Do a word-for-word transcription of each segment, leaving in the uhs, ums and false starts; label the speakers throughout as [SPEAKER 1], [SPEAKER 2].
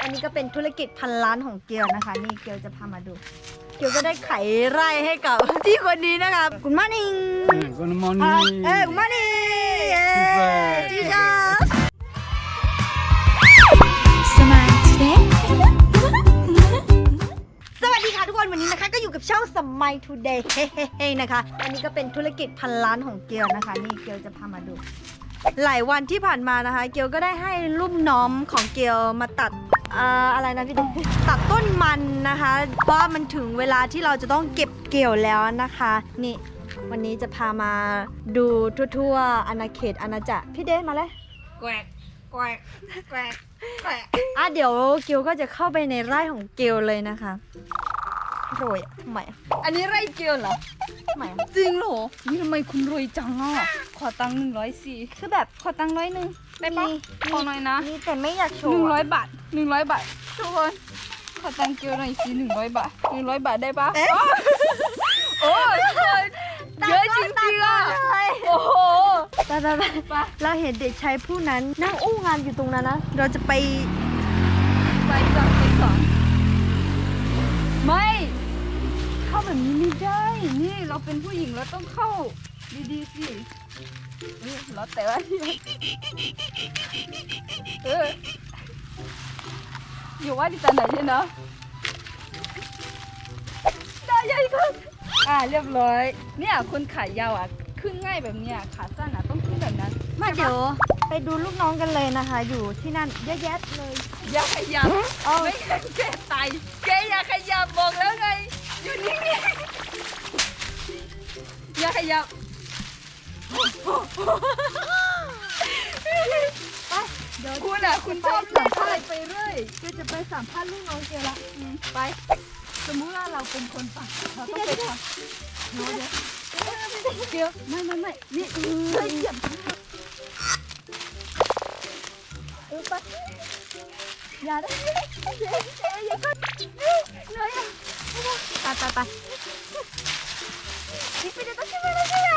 [SPEAKER 1] อันนี้ก็เป็นธุรกิจพันล้านของเกียวนะคะนี่เกียวจะพามาดูเกียวก็ได้ไขไร่ให้กับที่คนนี้นะคะคุณมานิง
[SPEAKER 2] Good morning
[SPEAKER 1] เอ้ยคุณมานิงเอ้ยจีจ้าสมัยทูเดย์สวัสดีค่ะทุกคนวันนี้นะคะก็อยู่กับช่องสมัยทูเดย์เฮ้ๆนะคะอันนี้ก็เป็นธุรกิจพันล้านของเกียวนะคะนี่เกียวจะพามาดูหลายวันที่ผ่านมานะคะเกียวก็ได้ให้ลุ่มน้องของเกียวมาตัดอ่าอะไรนะพี่เดตัดต้นมันนะคะเพราะมันถึงเวลาที่เราจะต้องเก็บเกี่ยวแล้วนะคะนี่วันนี้จะพามาดูทั่วๆอาณาเขตอาณาจักรพี่เดมาเลยแกวกแกวกแกวกแกวกอ่ะเดี๋ยวเกียวก็จะเข้าไปในไร่ของเกียวเลยนะคะรวยทำไม
[SPEAKER 3] อันนี้ไร่เกียวเหรอ
[SPEAKER 1] ทำไม
[SPEAKER 3] จริงเหรอ นี่ทำไมคุณรวยจังอ่ะ ขอตังค์หนึ่งร้อยสี่
[SPEAKER 1] คือแบบ
[SPEAKER 3] ขอตังค์ร้อยหนึ่งได้ปะขอหน่อยนะ
[SPEAKER 1] นี่แต่ไม่อยากโช
[SPEAKER 3] หนึ่ง
[SPEAKER 1] ว์
[SPEAKER 3] ร้อยบาทหนึ่งร้อยบาททุกคนขอตังค์เกียวหน่อยสิหนึ่งร้อยบาทหนึ่งร้อยบาทได้ปะโอ้ยทุกคนเยอะจริงๆอ่ะโอ้โห
[SPEAKER 1] ไปไปไปเราเห็นเด็กชายผู้นั้นนั่งอู้งานอยู่ตรงนั้นนะเราจะไป
[SPEAKER 3] ไปก่อนไปก่อนไม่เข้าแบบนี้ไม่ได้ นี่เราเป็นผู้หญิงเราต้องเข้าดีๆสิเออเราแต่ว่าเอออยู่ว่าที่ตาไหนใช่เนาะได้ยังคุณอ่าเรียบร้อยเนี่ยคนขายาวอ่ะขึ้นง่ายแบบเนี้ยขาสั้นอ่ะต้องขึ้นแบบนั้น
[SPEAKER 1] มาเดี๋ยวไปดูลูกน้องกันเลยนะคะ อยู่ที่นั่นเยอะแยะเลย
[SPEAKER 3] อย่าขยับไม่งั้นแกตายแกอย่าขยับบอกแล้วไงอยู่นิ่งๆอย่าขยับ
[SPEAKER 1] ไปเดี๋ยว
[SPEAKER 3] คุณอ่ะคุณชอบเล่นอะไรไปเรื่อย
[SPEAKER 1] ก็จะไปสัมภาษณ์ลูกน้องเกียวละ
[SPEAKER 3] อืมไปสมมุติว่าเราเป็นคนฝั่งเราต้องไปทำเดี๋ยวเดี๋ยวเดี๋ยวไม่ไม่ไม่นี่เฮ้ยอย่า
[SPEAKER 1] เออไปอย่าได้อย่าอย่าก็เลยอ่ะไปไปไปนี่ไปเดี๋ยวต้องช่วยเราช่วย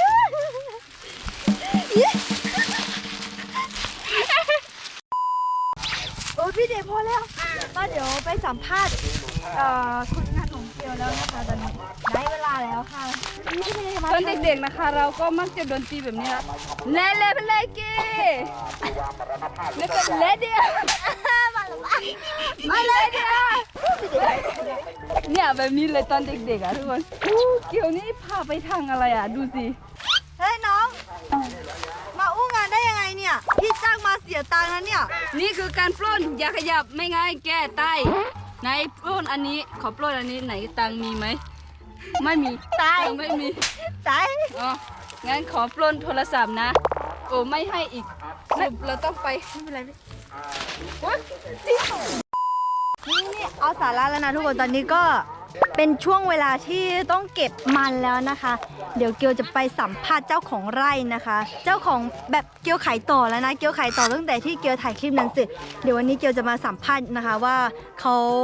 [SPEAKER 1] โอ้พี่เดชพอแล้วมาเดี๋ยวไปสัมภาษณ์เอ่อคนงานของเกียวแล้วนะคะตอนนี้ได้เวลาแล้วค่ะพี่เดชมา
[SPEAKER 3] ตอนเด็กๆนะคะ เราก็มักจะโดนตีแบบนี้ละเล่เล่เล่เก้แล้วก็เล่เดียว
[SPEAKER 1] มาเลยเดี๋ยว
[SPEAKER 3] เนี่ยแบบนี้เลยตอนเด็กๆอ่ะทุกคนอู้เกี่ยวนี่พาไปทางอะไรอ่ะดูสิ
[SPEAKER 1] เฮ้ยน้อง มาอู้งานได้ยังไงเนี่ย พี่จ้างมาเสียตังค์นะเนี่ย
[SPEAKER 3] นี่คือการปล้นอย่าขยับไม่งั้นแก้ใต้ไหนปล้นอันนี้ขอปล้นอันนี้ไหนตังค์มีไหมไม่มี
[SPEAKER 1] ตาย
[SPEAKER 3] ตังค์ไม่มี
[SPEAKER 1] ตาย
[SPEAKER 3] อ๋องั้นขอปล้นโทรศัพท์นะ โอ้ไม่ให้อีกสรุปเราต้องไป
[SPEAKER 1] ไม่เป็นไรพี่
[SPEAKER 3] วะ
[SPEAKER 1] นี่นี่เอาสาระแล้วนะทุกคนตอนนี้ก็เป็นช่วงเวลาที่ต้องเก็บมันแล้วนะคะ เดี๋ยวเกียวจะไปสัมภาษณ์เจ้าของไร่นะคะ เจ้าของแบบเกียวขายต่อแล้วนะ เกียวขายต่อตั้งแต่ที่เกียวถ่ายคลิปนั้นเสร็จเดี๋ยววันนี้เกียวจะมาสัมภาษณ์นะคะว่าเขา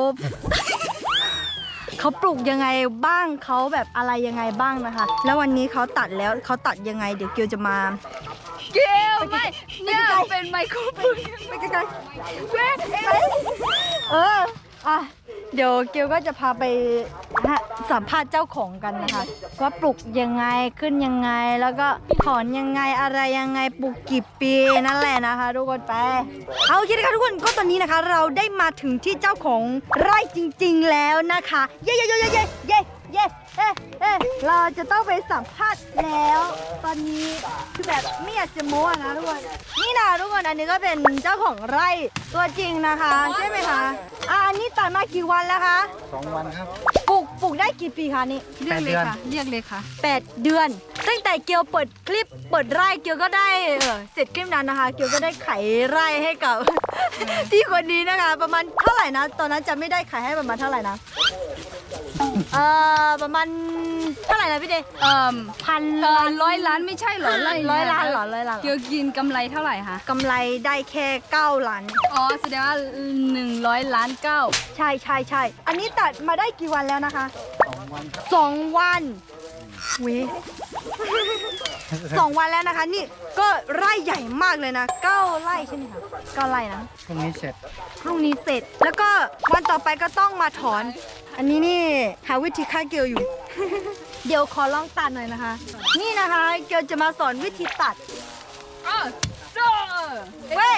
[SPEAKER 1] เขาปลูกยังไงบ้างเขาแบบอะไรยังไงบ้างนะคะ แล้ววันนี้เขาตัดแล้วเขาตัดยังไง เดี๋ยวเกียวจะมา
[SPEAKER 3] เกลไม่เนี่ยเป็นไมโครโฟน
[SPEAKER 1] ไปไกลๆเอออ่ะเดี๋ยวเกียวก็จะพาไปสัมภาษณ์เจ้าของกันนะคะว่าปลูกยังไงขึ้นยังไงแล้วก็ถอนยังไงอะไรยังไงปลูกกี่ปีนั่นแหละนะคะทุกคนไปเอาโอเคนะคะทุกคนก็ตอนนี้นะคะ เราได้มาถึงที่เจ้าของไร่จริง ๆแล้วนะคะเย้เย้เย้เย้เย้เย้เย้เอ๊ะเอ๊ะเราจะต้องไปสัมภาษณ์แล้ว ตอนนี้คือแบบไม่อยากจะโม้อะนะทุกคนนี่นะทุกคนอันนี้ก็เป็นเจ้าของไร่ตัวจริงนะคะใช่ไหมคะอ่ะอันนี้ตัดมากี่วันแล้วคะ
[SPEAKER 2] สองวันครับ
[SPEAKER 1] ปลูกปลูกได้กี่ปีคะนี่
[SPEAKER 3] เรียกเลยค่ะเรียกเลยค่ะ
[SPEAKER 1] แปดเดือน ตั้งแต่เกียวเปิดคลิปเปิดไร่เกียวก็ได้เออเสร็จคลิปนั้นนะคะ เกียวก็ได้ไขไร่ให้กับ ที่คนนี้นะคะ ประมาณเท่าไหร่นะตอนนั้นจะไม่ได้ขายให้ประมาณเท่าไหร่นะเอ่อประมาณเท่าไหร่นะพี่เดย์
[SPEAKER 3] เอ่อ
[SPEAKER 1] พัน
[SPEAKER 3] เอ่อร้อยล้านไม่ใช่เหรอไ
[SPEAKER 1] ร้อยล้านเหรอร้อยล้านเหร
[SPEAKER 3] เกี่
[SPEAKER 1] อ
[SPEAKER 3] ยวกินกำไรเท่าไหร่คะ
[SPEAKER 1] กำไรได้แค่เก้าล้าน
[SPEAKER 3] อ๋อแสดงว่าหนึ่งร้อยล้านเก้า
[SPEAKER 1] ใช่ใช่ใช่อันนี้ตัดมาได้กี่วันแล้วนะคะ
[SPEAKER 2] สองวันครับ
[SPEAKER 1] สองวันเว้ย สองวันแล้วนะคะ นี่ก็ไร่ใหญ่มากเลยนะเก้าไร่ใช่ไหมคะเก้าไร่นะ
[SPEAKER 2] พรุ่งนี้เสร็จ
[SPEAKER 1] พรุ่งนี้เสร็จ แล้วก็วันต่อไปก็ต้องมาถอน อันนี้นี่หาวิธีฆ่าเกลียวอยู่ เดี๋ยวขอลองตัดหน่อยนะคะ นี่นะคะเกลียวจะมาสอนวิธีตัด
[SPEAKER 3] อ้าวโจ้
[SPEAKER 1] เว้ย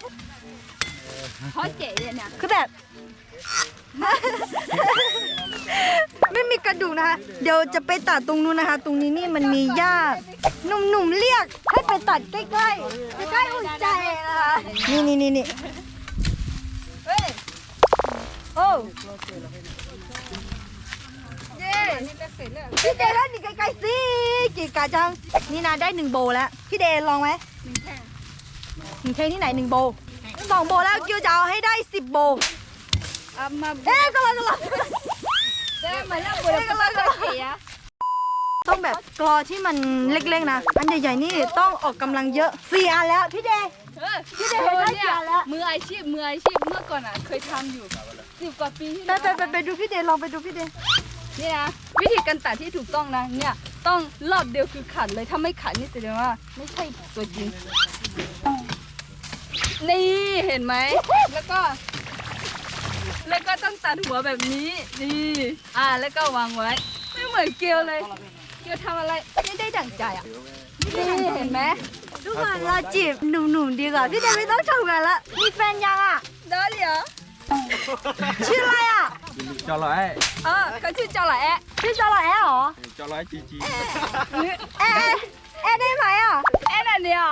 [SPEAKER 3] เขาเจ๋เนี่ย
[SPEAKER 1] คือแบบ ไม่มีกระดูกนะคะ เดี๋ยวจะไปตัดตรงนู้นนะคะ ตรงนี้นี่มันมีหญ้าหนุ่มๆเรียกให้ไปตัดใกล้ๆใกล้ๆอุ่นใจนะคะ นี่นี่นี่นี่
[SPEAKER 3] เฮ้ย
[SPEAKER 1] โอ้
[SPEAKER 3] เย้นี่เล็กเสร็จแล้ว
[SPEAKER 1] พี่เดย์แล้วนี่ไกลๆสิกี่กาจัง นี่นะได้หนึ่งโบแล้ว พี่เดย์ลองไหม
[SPEAKER 3] หนึ่งแท่ง
[SPEAKER 1] หนึ่งเทนี่ไหนหนึ่งโบสองโบแล้วเกียวจะเอาให้ได้สิบโบ
[SPEAKER 3] เอามา
[SPEAKER 1] เอ๊ะก็เลยก็เลย
[SPEAKER 3] ได้มาแล้วบุรีรัมย์ก็เสีย
[SPEAKER 1] ต้องแบบกรอที่มันเล็กๆนะ อันใหญ่ๆนี่ต้องออกกำลังเยอะสี่อันแล้วพี่เดย์
[SPEAKER 3] เออ
[SPEAKER 1] พี่เดย์เห็นได้
[SPEAKER 3] เนี่
[SPEAKER 1] กี่
[SPEAKER 3] ย
[SPEAKER 1] อันแล้ว
[SPEAKER 3] มืออาชีพมืออาชีพเมื่อก่อนอ่ะเคยทำอยู่สิบกว่าปีที่
[SPEAKER 1] ไป
[SPEAKER 3] แล้ว
[SPEAKER 1] ไปไปไปดูพี่เดย์ลองไปดูพี่เดย์
[SPEAKER 3] นี่นะวิธีการตัดที่ถูกต้องนะเนี่ยต้องรอบเดียวคือขัดเลยถ้าไม่ขัดนี่แสดงว่าไม่ใช่ตัวจริง นี่เห็นไหมแล้วก็ แล้วก็ต้องตัดหัวแบบนี้นี่อ่าแล้วก็วางไว้ ไม่เหมือนเกลียวเลย เกลียวทำอะไรไม่ได้ดั่งใจอ่ะนี่เห็นไหม
[SPEAKER 1] ทุกคนเราจีบหนุ่มๆดีกว่าพี่เดย์ไม่ต้องทำงานละมีแฟนยังอ่ะ
[SPEAKER 3] ได้เหรอ
[SPEAKER 1] ชื่ออะไรอ่ะ
[SPEAKER 2] cho lại
[SPEAKER 3] เออเขาชื่อเจ้าหลายแอะ
[SPEAKER 1] ชื่อจอร์แอเหรอ
[SPEAKER 2] cho lại chi chi
[SPEAKER 1] แอแอแอได้ไหมอ่ะ
[SPEAKER 3] แอนอันเดียว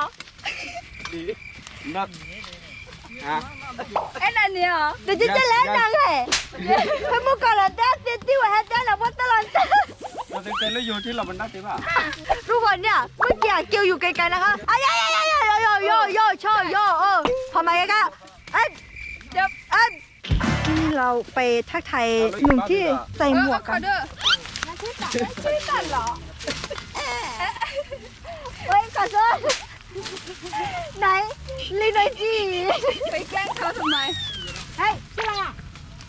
[SPEAKER 2] nấc à
[SPEAKER 3] แอนอันเดียว
[SPEAKER 1] เดี๋ยวจะจะเล่นยังไงให้มุกก่อนละเต้เต้ที่ว่าให้เต้ละวัดตลอดเต้
[SPEAKER 2] rồi tên tên nó vô chứ là mình đắt thế mà
[SPEAKER 1] ทุกคนเนี่ยเมื่อกี้เกียวอยู่ไกลๆนะคะอ้ายายายายาโยโยโยโชโยเออพอมาใกล้ๆเอ้ย
[SPEAKER 3] เดี๋ยว
[SPEAKER 1] เอ้ยนี่เราไปทักทายหนุ่มที่ใส่หมวก
[SPEAKER 3] ข
[SPEAKER 1] กั
[SPEAKER 3] อน เด้อชื่อตัดชื่อตัดเหรอ
[SPEAKER 1] เฮ้ยขอโทษไหนลีหน่อยจี
[SPEAKER 3] ไปแกล้งเขาทำไม
[SPEAKER 1] เฮ้ยชื่ออะไรอ่ะ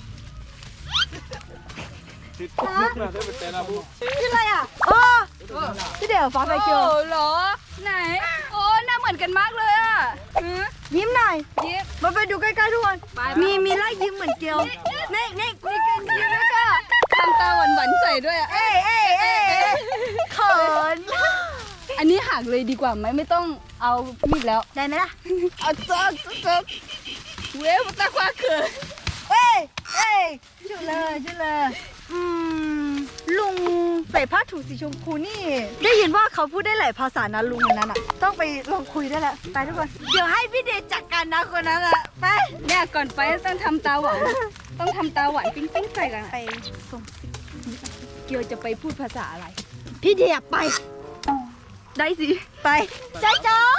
[SPEAKER 2] thịt nước là thế mình tên là bu
[SPEAKER 1] ชื่ออะไรอ่ะโอ้พี่เดี๋ยวฟ้าไปเกียว
[SPEAKER 3] โอ้เหรอ ไหน โอ้หน้าเหมือนกันมากเลยอ่ะหือ
[SPEAKER 1] ยิ้มหน่อย
[SPEAKER 3] ยิ้ม
[SPEAKER 1] มาไปดูใกล้ๆทุกคน
[SPEAKER 3] ไป
[SPEAKER 1] มีมีไล่ยิ้มเหมือนเกียวนี่นี่คุยกัน
[SPEAKER 3] ยิ้มแล้วก็ทำตาหวานๆใส่ด้วยอ่ะ
[SPEAKER 1] เอ้ยเอ้ยเอ้ยเอ้ยเขิน
[SPEAKER 3] อันนี้หักเลยดีกว่าไหมไม่ต้องเอามีดแล้ว
[SPEAKER 1] ได้ไหมล่ะ
[SPEAKER 3] เอาจ๊อกจ๊อกเว้ยตาควาเขิน
[SPEAKER 1] เอ้ยเอ้ยชื่อเลยชื่อเลยอืมลุงใส่ผ้าถุงสีชมพูนี่ ได้ยินว่าเขาพูดได้หลายภาษานะลุงคนนั้นอ่ะ ต้องไปลองคุยได้แหละไปทุกคน เดี๋ยวให้พี่เดชจัดการนะคนนั้นอ่ะไป
[SPEAKER 3] เนี่ยก่อนไปต้องทำตาหวาน ต้องทำตาหวานปิ๊งปิ๊งใส่กันอะ
[SPEAKER 1] ไปส่ง
[SPEAKER 3] เกียวจะไปพูดภาษาอะไร
[SPEAKER 1] พี่เดียไป
[SPEAKER 3] ได้สิ
[SPEAKER 1] ไปจ้าจ้า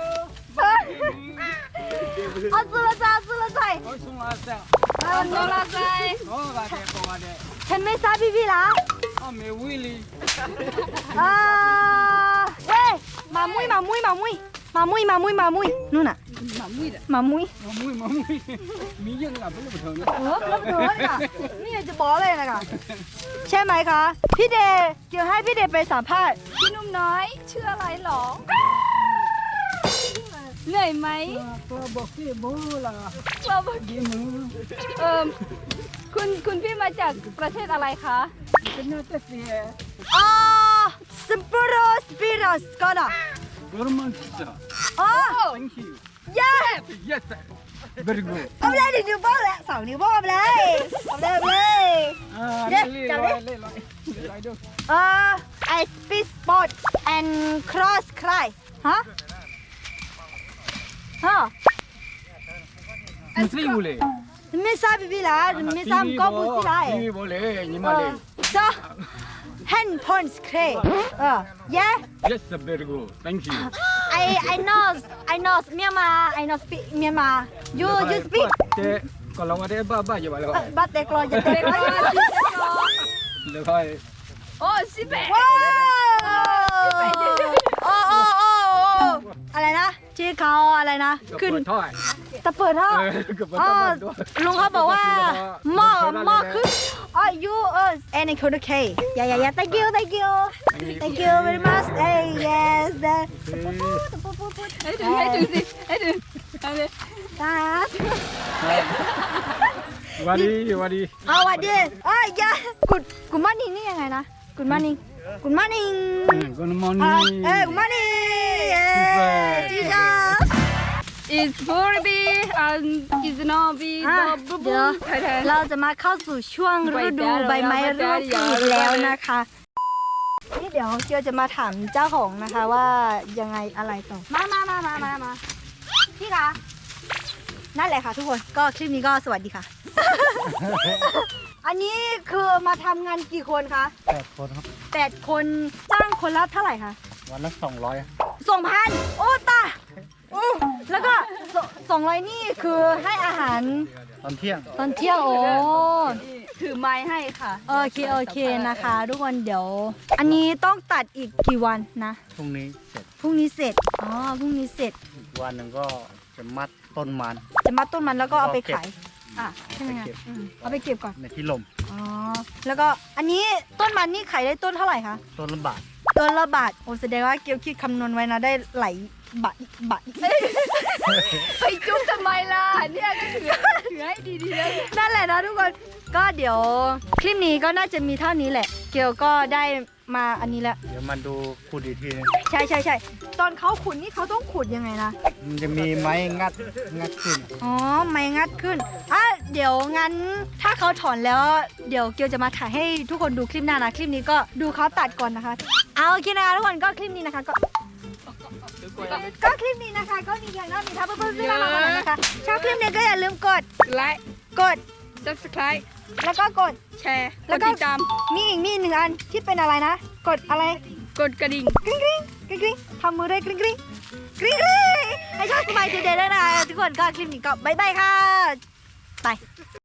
[SPEAKER 1] เอาสุรจ้าสุรใจ
[SPEAKER 2] ôi xuống là sao
[SPEAKER 3] เออโนราไซ
[SPEAKER 2] nó là đẹp còn là đẹp
[SPEAKER 1] ฉันไม่ทราบพี่พี่ละ
[SPEAKER 2] à mẹ Willy
[SPEAKER 1] อ่าเว้ยมามุ้ยมามุ้ยมามุ้ยมามุ้ยมามุ้ยมามุ้ยนู่นน่ะ
[SPEAKER 3] หมามุ้ยอ่ะ
[SPEAKER 1] มามุ้ย
[SPEAKER 2] mà mui mà mui mỹ dân làm cái là bình thường
[SPEAKER 1] เออแล้วเกินอ่ะนี่อยากจะบอกเลยนะคะใช่ไหมคะ พี่เดย์เดี๋ยวให้พี่เดย์ไปสัมภาษณ์
[SPEAKER 3] พี่นุ่มน้อยชื่ออะไรหรอ เหนื่อยไหม
[SPEAKER 2] tôiบอกพี่บูlà
[SPEAKER 3] เราบอก
[SPEAKER 2] đi mưa
[SPEAKER 3] เออคุณคุณพี่มาจากประเทศอะไรคะ
[SPEAKER 2] cái nó tết gì
[SPEAKER 1] อ๋อสปโรสปิรัสก็ได้
[SPEAKER 2] German pizza
[SPEAKER 1] อ๋อ
[SPEAKER 2] thank you
[SPEAKER 1] ย่า
[SPEAKER 2] yes very good
[SPEAKER 1] เอาไปเลยหนึ่งนิ้วโป้งแล้วสองนิ้วโป้งเอาไปเลยเอาไปเลยเอาไปเลย
[SPEAKER 2] à
[SPEAKER 1] Yes,
[SPEAKER 2] lên
[SPEAKER 1] chào
[SPEAKER 2] lên
[SPEAKER 1] đi.
[SPEAKER 2] lên lên lại được
[SPEAKER 1] เออ I speak sport and cross cry ฮะฮะ
[SPEAKER 2] mình sẽ vô lệ
[SPEAKER 1] ไม่ทราบพี่พี่ละไม่ทราบก็พูดสิละ
[SPEAKER 2] TV vô lệ nhưng
[SPEAKER 1] เอ
[SPEAKER 2] mà
[SPEAKER 1] อ
[SPEAKER 2] lệ
[SPEAKER 1] so hand punch cray เออ yeah
[SPEAKER 2] yes very good thank you
[SPEAKER 1] I I know I know Myanmar I know speak Myanmar you you speak
[SPEAKER 2] thế còn lâu thế ba ba giờ bà rồi
[SPEAKER 1] บัตเตกรออย่าเตกรอ
[SPEAKER 2] được thôi
[SPEAKER 3] โอ้สิเปะ
[SPEAKER 1] ว้าวโอ้โอ้โอ้โอ้อะไรนะชื่อเขาอะไรนะ
[SPEAKER 2] Cặp
[SPEAKER 1] ขึ้น
[SPEAKER 2] vợ thôi
[SPEAKER 1] ตะเปิดท่อ
[SPEAKER 2] เออเปิด
[SPEAKER 1] อ๋
[SPEAKER 2] ท่
[SPEAKER 1] อ
[SPEAKER 2] อมันด้วย
[SPEAKER 1] ลุงเขาบอกว่าหม้อ
[SPEAKER 2] เปิดท่อ
[SPEAKER 1] หม้อ
[SPEAKER 2] ได้เลย
[SPEAKER 1] ขึ้นอ๋อ you เออ and I could okay yeah yeah yeah thank you thank you thank you very much hey yes the
[SPEAKER 3] ให้ถึงให้ถึงสิให้ถึงเอาเลย
[SPEAKER 1] ตา
[SPEAKER 2] วัดีวัดี
[SPEAKER 1] เอาวัดดีเอ้ยอย่ากุดกุดมานิ่งนี่ยังไงนะกุดมานิ่งกุดมานิ่ง
[SPEAKER 2] Good
[SPEAKER 1] เอ
[SPEAKER 2] morning
[SPEAKER 1] อกุดมานิ่งเย้จีจ้า
[SPEAKER 3] is for be and is not be
[SPEAKER 1] อ่ะ
[SPEAKER 3] the
[SPEAKER 1] เดี๋ยว
[SPEAKER 3] ไทยแทน
[SPEAKER 1] เราจะมาเข้าสู่ช่วงฤดูใบไม้ร่วงอีกแล้วนะคะนี่เดี๋ยวเกียวจะมาถามเจ้าของนะคะว่ายังไงอะไรต่อมามามามามามาพี่คะนั่นแหละค่ะทุกคนก็คลิปนี้ก็สวัสดีค่ะ อันนี้คือมาทำงานกี่คนคะ
[SPEAKER 4] แปดคนครับ
[SPEAKER 1] แปดคนจ้างคนละเท่าไหร่คะ
[SPEAKER 4] วันละสองร้อย
[SPEAKER 1] สองพันโอ้ตาโอ้แล้วก็สองร้อยนี่คือให้อาหาร
[SPEAKER 4] ตอนเที่ยง
[SPEAKER 1] ตอนเที่ยงโอ้
[SPEAKER 3] ถือไม้ให้ค่ะ
[SPEAKER 1] โอเคโอเคนะคะ ทุกคนเดี๋ยว อันนี้ต้องตัดอีกกี่วันนะ
[SPEAKER 4] พรุ่งนี้เสร็จ
[SPEAKER 1] พรุ่งนี้เสร็จอ๋อพรุ่งนี้เสร็จ
[SPEAKER 4] อีกวันหนึ่งก็จะมัดต้นมัน
[SPEAKER 1] จะมัดต้นมันแล้วก็เอาไป
[SPEAKER 4] ก็เก็บ
[SPEAKER 1] ขายอ่ะใช่ไหม
[SPEAKER 4] ไป
[SPEAKER 1] คะ
[SPEAKER 4] เก็บ
[SPEAKER 1] อืมเอาไปเก็บก่อน
[SPEAKER 4] ในที่ลม
[SPEAKER 1] อ๋อแล้วก็อันนี้ต้นมันนี่ขายได้ต้นเท่าไหร่คะ
[SPEAKER 4] ต้นละบาท
[SPEAKER 1] ต้นละบาทโอ้แสดงว่าเกียวคิดคำนวณไว้นะได้ไหลายบาทบาท
[SPEAKER 3] ไปจุ๊บทำไมล่ะ เนี่ยก็ถือถือให้ดีๆเลย
[SPEAKER 1] นั่นแหละนะทุกคน ก็เดี๋ยวคลิปนี้ก็น่าจะมีเท่านี้แหละ เกียวก็ได้มาอันนี้แล้ว
[SPEAKER 4] เดี๋ยวมาดูขุดอีกทีหนึง
[SPEAKER 1] ใช่ใช่ใช่ตอนเขาขุดนี่เขาต้องขุดยังไงนะ
[SPEAKER 4] มันจะมีไม้งัดงัดขึ้น
[SPEAKER 1] อ๋อ ไม่งัดขึ้น อ่ะ เดี๋ยวงั้นถ้าเขาถอนแล้ว เดี๋ยวเกียวจะมาถ่ายให้ทุกคนดูคลิปหน้านะ คลิปนี้ก็ดูเขาตัดก่อนนะคะ เอาโอเคนะคะทุกคนก็คลิปนี้นะคะก็ ก็คลิปนี้นะคะ ก็มีเพียงเท่านี้ค่ะเพื่อนๆที่มามากันนะคะ ชอบคลิปนี้ก็อย่าลืมกด
[SPEAKER 3] ไลค์
[SPEAKER 1] กด
[SPEAKER 3] subscribe
[SPEAKER 1] แล้วก็กด
[SPEAKER 3] แชร์
[SPEAKER 1] แล้
[SPEAKER 3] แล้ว ว
[SPEAKER 1] ก็
[SPEAKER 3] ก็ติดตาม
[SPEAKER 1] มีอีกมีหนึ่งอันที่เป็นอะไรนะ กดอะไร
[SPEAKER 3] กดกระดิ่ง
[SPEAKER 1] กริ๊งกริ๊งกริ๊งกริ๊งทำมือด้วยกริ๊งกริ๊งกริ๊งกริ๊งให้ชอบสบายใจเดย์ด้วยนะทุกคนก็คลิปนี้ก็บายบายค่ะ ไป